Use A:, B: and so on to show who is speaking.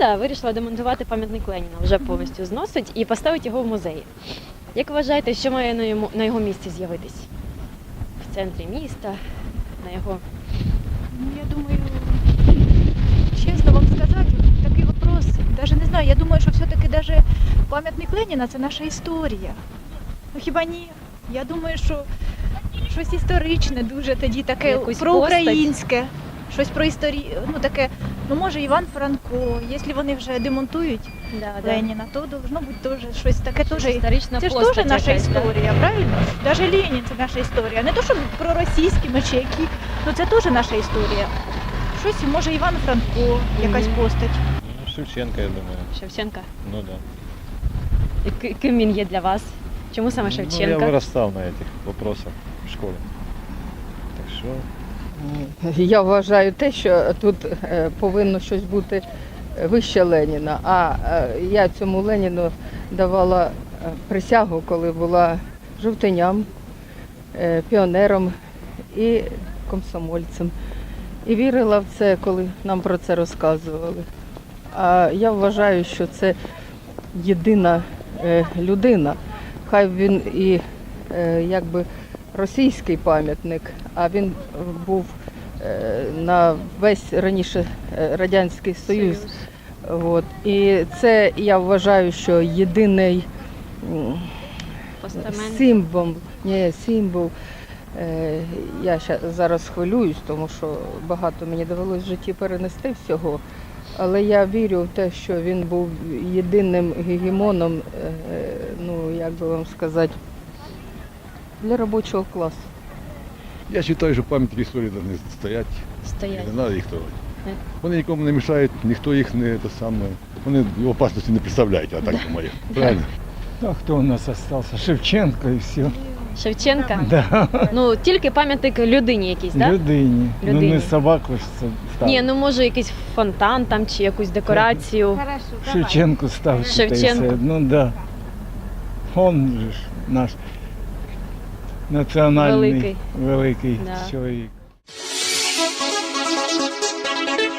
A: громада вирішила демонтувати пам'ятник Леніна, вже повністю зносить, і поставить його в музеї. Як вважаєте, що має на його місці з'явитись? В центрі міста, на його...
B: Ну, я думаю, честно вам сказать, такий вопрос, даже не знаю, я думаю, що все-таки даже пам'ятник Леніна – це наша історія. Ну хіба ні? Я думаю, що щось історичне дуже тоді таке
A: Якусь
B: проукраїнське, щось про історію, ну таке, ну може Іван Франко, якщо вони вже демонтують Леніна, то должно бути теж щось таке теж.
A: Історична
B: Це ж
A: постать
B: теж наша
A: якась, да?
B: історія, правильно? Даже Ленін це наша історія. Не то, що проросійські чи які, ну це теж наша історія. Щось, може, Іван Франко, якась постать.
C: Ну, Шевченко, я думаю.
A: Шевченка.
C: Ну да.
A: І ким він є для вас? Чому саме
C: Ну, я
A: Шевченка?
C: вырастал на этих вопросах в школе. Так що,
D: Я вважаю те, що тут повинно щось бути вище Леніна. А я цьому Леніну давала присягу, коли була жовтиням, піонером і комсомольцем. І вірила в це, коли нам про це розказували. А я вважаю, що це єдина людина. Хай він і якби російський пам'ятник, а він був на весь раніше Радянський Союз. От. І це, я вважаю, що єдиний
A: Постамент.
D: символ. Я зараз хвилююсь, тому що багато мені довелося в житті перенести всього. Але я вірю в те, що він був єдиним гегемоном, ну, як би вам сказати, для робочого класу.
E: Я вважаю, що пам'ятники історії повинні стоять.
A: Стоять.
E: Не треба їх трогати.
A: Не.
E: Вони нікому не мішають, ніхто їх не те саме. Вони опасності не представляють, я так думаю. Правильно?
F: А кто у нас остался? Шевченко и все.
A: Шевченка?
F: Да.
A: Ну, тільки пам'ятник людині якийсь, так?
F: Людині. Ну
A: Людині.
F: не собаку ж це ставить.
A: Ні, ну може якийсь фонтан там чи якусь декорацію.
F: Шевченку ставить.
A: Шевченко.
F: Ну да. Он же ж наш національний
A: Великий.
F: великий
A: Да.
F: чоловік.